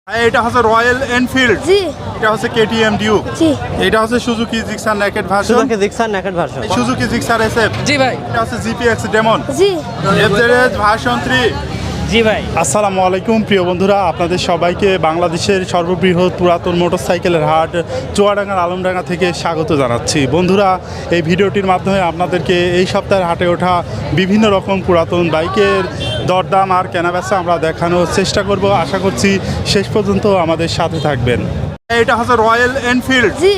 এটা হচ্ছে royal Enfield, জি এটা হচ্ছে কেটিএম ডিউক, জি এটা হচ্ছে Suzuki Gixxer naked version, Suzuki Gixxer naked version. Suzuki Gixxer SF, জি ভাই। এটা হচ্ছে জিপিএক্স ডেমন, জি এফজেডএস ভার্সন 3। জি ভাই। আসসালামু আলাইকুম প্রিয় বন্ধুরা, আপনাদের সবাইকে বাংলাদেশের সর্ববৃহৎ পুরাতন মোটরসাইকেলের হাট চুয়াডাঙ্গার আলমডাঙ্গা থেকে স্বাগত জানাচ্ছি। বন্ধুরা, এই ভিডিওটির মাধ্যমে আপনাদেরকে এই সপ্তাহের হাটে ওঠা বিভিন্ন রকম পুরাতন বাইকের দরদাম আর কেনাবেচা আমরা দেখানোর চেষ্টা করব। আশা করছি শেষ পর্যন্ত আমাদের সাথে থাকবেন। এটা হচ্ছে রয়্যাল এনফিল্ড, জি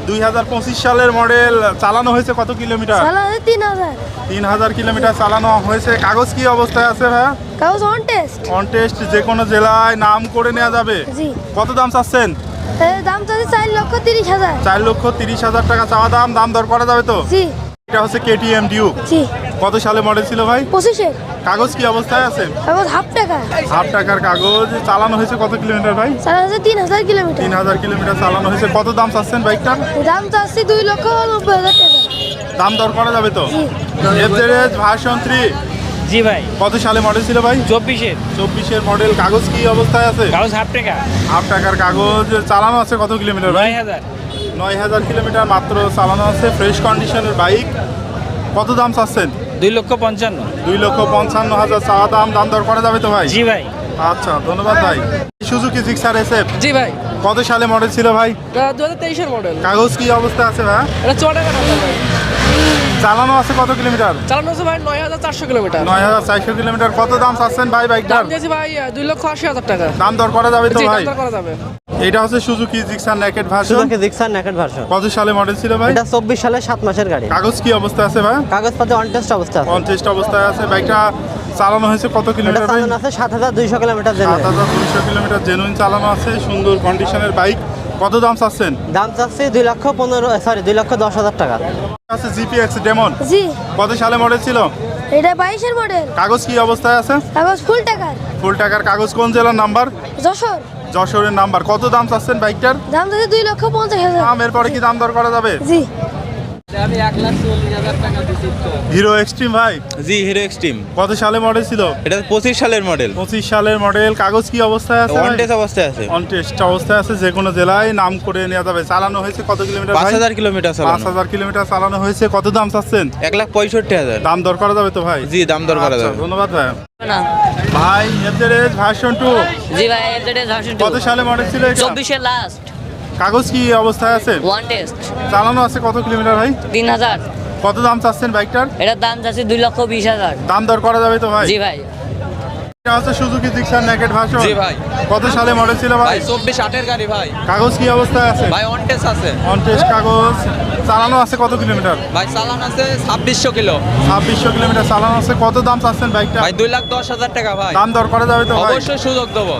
2025 সালের মডেল। চালানো হয়েছে কত কিলোমিটার? চালানো 3000। 3000 কিলোমিটার চালানো হয়েছে। কাগজ কি অবস্থায় আছে ভাইয়া? কাগজ অন টেস্ট। অন টেস্ট, যে কোনো জেলায় নাম করে নেওয়া যাবে। জি কত দাম চাচ্ছেন? এর দাম তো 4,30,000। 4,30,000 টাকা চাওয়া দাম। দাম দর করা যাবে তো? জি এটা হচ্ছে কেটিএম ডিউক। জি কত সালে মডেল ছিল ভাই? 25-এর কাগজ কি অবস্থায় আছে? কাগজ হাফ টাকা। হাফ টাকার কাগজ। চালানো হয়েছে কত কিলোমিটার ভাই? চালানো 3000 কিলোমিটার। 3000 কিলোমিটার চালানো হয়েছে। কত দাম চাচ্ছেন বাইকটার? দাম তো আসছে 2,90,000 টাকা। দাম দর করা যাবে তো? জি এফজেডএস ভার্সন 3। জি ভাই। কত সালে মডেল ছিল ভাই? 24-এর 24-এর মডেল। কাগজ কি অবস্থায় আছে? কাগজ হাফ টাকা। হাফ টাকার কাগজ। চালানো আছে কত কিলোমিটার ভাই? 9000। 9000 কিলোমিটার মাত্র চালানো আছে। ফ্রেশ কন্ডিশনের বাইক। কত দাম চাচ্ছেন? 2,55,000। 2,55,000 চাওয়া দাম। দাম দর করা যাবে তো ভাই? জি ভাই। আচ্ছা, ধন্যবাদ ভাই। সুজুকি জিক্সার এসএফ, জি ভাই। কত সালে মডেল ছিল ভাই? 2023-এর মডেল। কাগজ কি অবস্থা আছে ভাই? এটা 4 টাকা ভাই। চালানো আছে কত কিলোমিটার? চালানো আছে ভাই 9,400 কিলোমিটার। 9,400 কিলোমিটার। কত দাম চাচ্ছেন ভাই বাইকটার? দাম দিয়েছি ভাই 2,80,000 টাকা। দাম দর করা যাবে তো জি ভাই? দাম দর করা যাবে। এটা হচ্ছে Suzuki Gixxer naked version. Suzuki Gixxer naked version. কত সালে মডেল ছিল ভাই? এটা 24 সালের 7 মাসের গাড়ি। কাগজ কি অবস্থা আছে ভাই? কাগজপত্র অন টেস্ট অবস্থা আছে। কনটেস্ট অবস্থায় আছে। বাইকটা চালানো হয়েছে কত এটা কিলোমিটার ভাই? চালানো আছে 7200 কিলোমিটার জেনুইন। 7200 কিলোমিটার জেনুইন চালানো আছে। সুন্দর কন্ডিশনের বাইক। কত দাম চাচ্ছেন? দাম চাচ্ছি 2,10,000 টাকা। আছে জিপিএক্স ডেমন। জি কত সালে মডেল ছিল? এটা 22-এর মডেল। কাগজ কি অবস্থায় আছে? কাগজ ফুল টাকার। ফুল টাকার কাগজ। কোন জেলার নাম্বার? যশোর। যশোরের নাম্বার। কত দাম চাচ্ছেন বাইকটার? দাম তো 2,50,000। দাম এরপরে কি দাম দর করা যাবে? জি আমি 1,40,000 টাকা দিছি তো। হিরো এক্সট্রিম ভাই, জি হিরো এক্সট্রিম। কত সালে মডেল ছিল? এটা 25 সালের মডেল। 25 সালের মডেল। কাগজ কি অবস্থায় আছে? ওয়ান টেস্ট অবস্থায় আছে। অন টেস্ট অবস্থায় আছে। যে কোনো জেলায় নাম করে নেওয়া যাবে। চালানো হয়েছে কত কিলোমিটার ভাই? 5,000 কিলোমিটার চালানো। 5,000 কিলোমিটার চালানো হয়েছে। কত দাম চাচ্ছেন? 1,65,000। দাম দর করা যাবে তো ভাই? জি দাম দর করা আচ্ছা, যাবে। ধন্যবাদ ভাই। না ভাই এফজেডএস ভার্সন 2, জি ভাই এফজেডএস ভার্সন কত সালে মডেল ছিল এটা? 24-এর লাস্ট কাগজ কি অবস্থায় আছে? ওয়ান টেস্ট চালানো আছে কত কিলোমিটার ভাই? 3,000। কত দাম চাচ্ছেন বাইকটার? এটার দাম যাচ্ছে 2,20,000। দাম দর করা যাবে তো ভাই? জি ভাই। এটা হচ্ছে সুজুকি জিক্সার নেকেড ভার্সন। জি ভাই। কত সালে মডেল ছিল ভাই? ভাই 24/8 গাড়ি ভাই। কাগজ কি অবস্থায় আছে? ভাই অন টেস্ট আছে। অন টেস্ট কাগজ। চালানো আছে কত কিলোমিটার? ভাই চালান আছে 2600 কিলো। 2600 কিলোমিটার চালানো আছে। কত দাম চাচ্ছেন বাইকটা? ভাই 2,10,000 টাকা ভাই। দাম দর করা যাবে তো ভাই? অবশ্যই সুযোগ দেবো।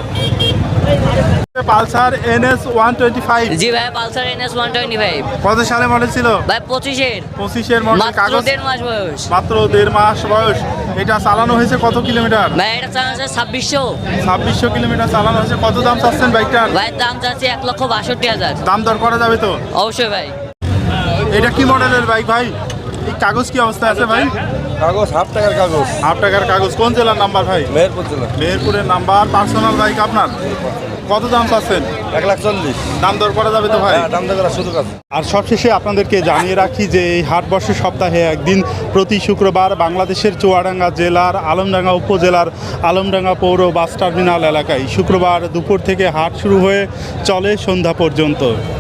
পালসার NS 125, জি ভাই পালসার NS 125 কত সালে মডেল ছিল? ভাই 25-এর 25-এর মডেল। মাত্র কাগজ 1.5 মাস বয়স। মাত্র 1.5 মাস বয়স। এটা চালানো হয়েছে কত কিলোমিটার? ভাই এটা চালানো আছে 2600। 2600 কিলোমিটার চালানো হয়েছে। কত দাম চাচ্ছেন বাইকটার? ভাই দাম যাচ্ছে 1,62,000। দাম দর করা যাবে তো? অবশ্যই ভাই। এটা কি মডেলের বাইক ভাই? এই কাগজ কি অবস্থায় আছে ভাই? কাগজ হাফ টাকার কাগজ, হাফ টাকার কাগজ। কোন জেলার নাম্বার ভাই? মেহেরপুর জেলা। মেহেরপুরের নাম্বার। পার্সোনাল বাইক আপনার। কত দাম চাচ্ছেন? 1,40,000। দাম দর করা যাবে তো ভাই? হ্যাঁ, দাম দর করার সুযোগ আছে। আর সবশেষে আপনাদেরকে জানিয়ে রাখি যে এই হাটবর্ষ সপ্তাহে একদিন প্রতি শুক্রবার বাংলাদেশের চুয়াডাঙ্গা জেলার আলমডাঙ্গা উপজেলার আলমডাঙ্গা পৌর বাস টার্মিনাল এলাকায় শুক্রবার দুপুর থেকে হাট শুরু হয়ে চলে সন্ধ্যা পর্যন্ত।